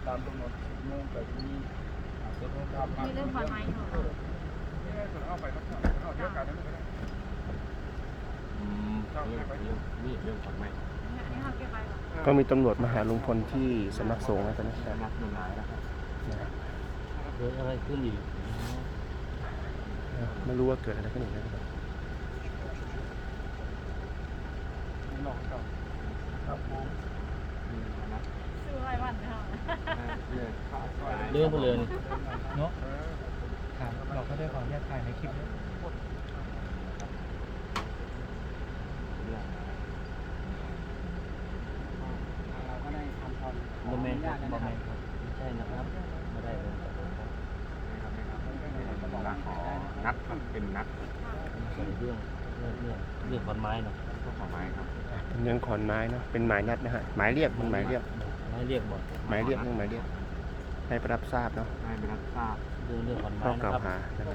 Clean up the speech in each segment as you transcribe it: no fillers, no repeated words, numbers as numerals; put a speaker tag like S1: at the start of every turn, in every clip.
S1: ตามกำหนดโมงแต่ที่จะต้องทำ
S2: มีเรื่องความหมายของเรา
S1: เอาไปครับเอาเดี๋ยวการนั้นก็ได้นี่เรื่องของไม่
S2: อันนี้เขาเก็บไว้หรอ
S3: ก็มีตำรวจมาหาลุงพลที่สำนักสงฆ์แล้วตอนนี้ครับ
S1: นักหนึ่งหลายแล้วครับ
S4: เกิดอะไรขึ้นอีก
S3: ไม่รู้ว่าเกิดอะไรขึ้นอีกนะครับ
S1: ลองครับครับผม
S2: ซื้อไว้วันเดียว
S4: เรื่องเพลิน
S5: เนาะครับเราก็ได้ขออนุญาตถ่ายในคลิปด้วย
S1: เราก็ได้ทำความ
S4: บอมแมนครับบอมแมนครับไม่ใช่นะครับไม่ได้เลยครับ
S1: นัดเป็นนัด
S4: ใส่เรื่องขอนไม้เนาะ
S1: ก็ขอไม้ครับ
S3: เป็นเรื่องขอนไม้เนาะเป็นหมายนัดนะฮะหมายเรียกมันหมายเรียก
S4: ไม้เรียกบ่
S3: หมายเรียกเรื่องหมายเรียกให้ไปรับทราบเนาะ
S1: ให้ไปรับทราบ
S4: เรื่องขอนไม้
S3: ข้อ
S4: นะ
S3: กล่าว
S4: ครับ
S3: หานะครับ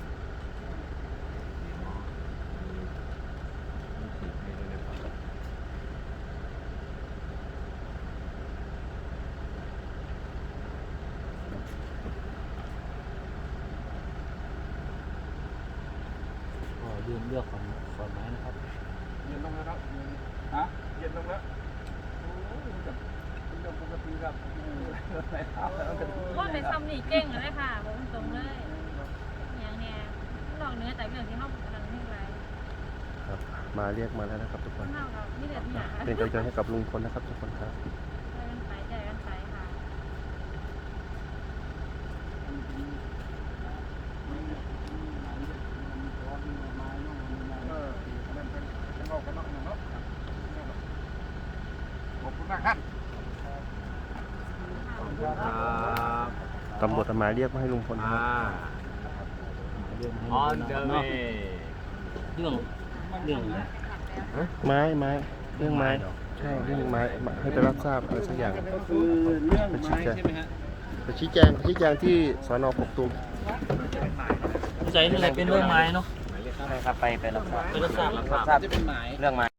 S4: ก็เรื่องขอนไม้นะครับ
S1: เย็นลงแล้วครับฮะเย็นลงแล้วโอ้ยกับเรื่องปกติครับไหนเท้าแล้วกัน
S2: ว่าเป็นซ้ำนี่เก่งเลยค่ะบอกตรงเลยอย่างเนี้ยลองเนื้อแต่เรื่องที่ห้องกำลังให้ไว้
S3: ครับมาเรียกมาแล้วนะครับทุกคน
S2: เท่ากับนี่เด็ดเนี่ยค่ะ
S3: เป็นกำลังใจให้กับลุงพลนะครับทุกคนครับ
S2: ใจกันไปค่ะ
S1: ขอบคุณมากครับ
S3: ตำรวจเอาหมายเรียกมาให้ลุงพลนะครับ
S4: เรื่องให้
S1: On the
S4: เนาะ
S1: way
S4: เรื่อง
S3: ไม้เรื่องไม้ใช่เรื่องไม้ให้ไปรับทราบอะไรสักอย่าง
S1: ก็คือเรื่องไม้ใช่ไหมฮะ
S3: ไปชี้แจงที่สน.กกตูม
S4: ใจนี่แหละเป็นเรื่องไม้เนาะ
S6: ใช่ครับไปรับทราบ
S4: ไปรับทราบ
S6: รับทราบเรื่องไม้